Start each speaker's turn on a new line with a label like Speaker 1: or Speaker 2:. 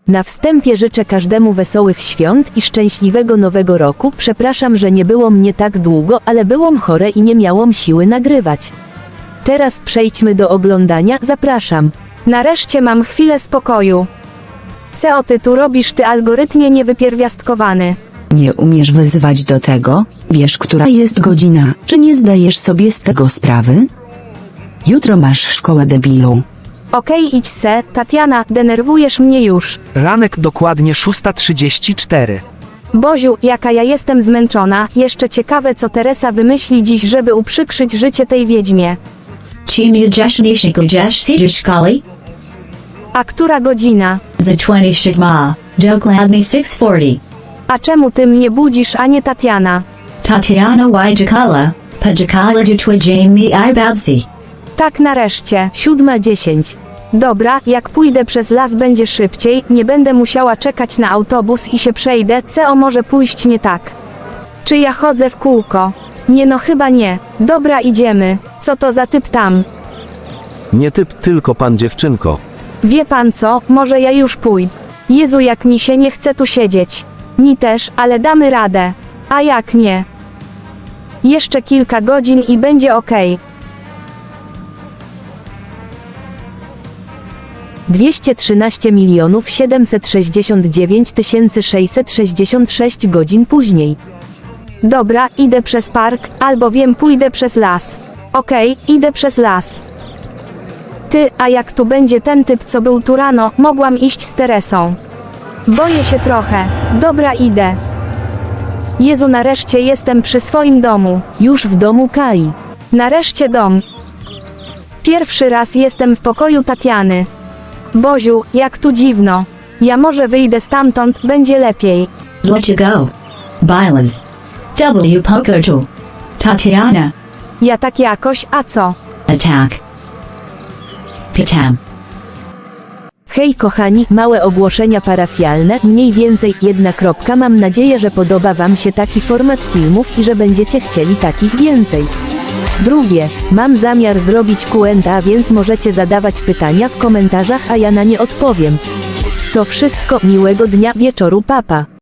Speaker 1: Na wstępie życzę każdemu wesołych świąt i szczęśliwego nowego roku. Przepraszam, że nie było mnie tak długo, ale byłam chore i nie miałam siły nagrywać. Teraz przejdźmy do oglądania, zapraszam.
Speaker 2: Nareszcie mam chwilę spokoju. Co ty tu robisz, ty algorytmie niewypierwiastkowany?
Speaker 3: Nie umiesz wyzywać do tego? Wiesz, która jest godzina, czy nie zdajesz sobie z tego sprawy? Jutro masz szkołę, debilu.
Speaker 2: Okej, idź se, Tatiana, denerwujesz mnie już.
Speaker 4: Ranek dokładnie 6:34.
Speaker 2: Boziu, jaka ja jestem zmęczona, jeszcze ciekawe co Teresa wymyśli dziś, żeby uprzykrzyć życie tej wiedźmie.
Speaker 5: Чи м'яджашніші сіджі шкали?
Speaker 2: A która godzina?
Speaker 5: За 20 ma. Dokładnie 6:40.
Speaker 2: A czemu ty mnie budzisz, a nie Tatiana?
Speaker 5: Tatiana Wajjakala. Pajakala jutwa Jamie Ibabsi.
Speaker 2: Tak nareszcie.
Speaker 1: 7:10.
Speaker 2: Dobra, jak pójdę przez las będzie szybciej, nie będę musiała czekać na autobus i się przejdę, co może pójść nie tak. Czy ja chodzę w kółko? Nie no chyba nie. Dobra, idziemy. Co to za typ tam?
Speaker 6: Nie typ, tylko pan dziewczynko.
Speaker 2: Wie pan co, może ja już pójdę. Jezu, jak mi się nie chce tu siedzieć. Mi też, ale damy radę. A jak nie? Jeszcze kilka godzin i będzie okej.
Speaker 1: 213 769 666 godzin później.
Speaker 2: Dobra, idę przez park, albo wiem, pójdę przez las. Okej, idę przez las. Ty, a jak tu będzie ten typ, co był tu rano, mogłam iść z Teresą. Boję się trochę. Dobra, idę. Jezu, nareszcie jestem przy swoim domu.
Speaker 1: Już w domu Kai.
Speaker 2: Nareszcie dom. Pierwszy raz jestem w pokoju Tatiany. Boziu, jak tu dziwno. Ja może wyjdę stamtąd, będzie lepiej.
Speaker 5: Dlaczego? Bilas. W pokertu. Tatiana.
Speaker 2: Ja tak jakoś, a co?
Speaker 5: Attack. Pitam.
Speaker 1: Hej kochani, małe ogłoszenia parafialne, mniej więcej 1 kropka. Mam nadzieję, że podoba wam się taki format filmów i że będziecie chcieli takich więcej. Drugie, mam zamiar zrobić Q&A, więc możecie zadawać pytania w komentarzach, a ja na nie odpowiem. To wszystko, miłego dnia, wieczoru, papa.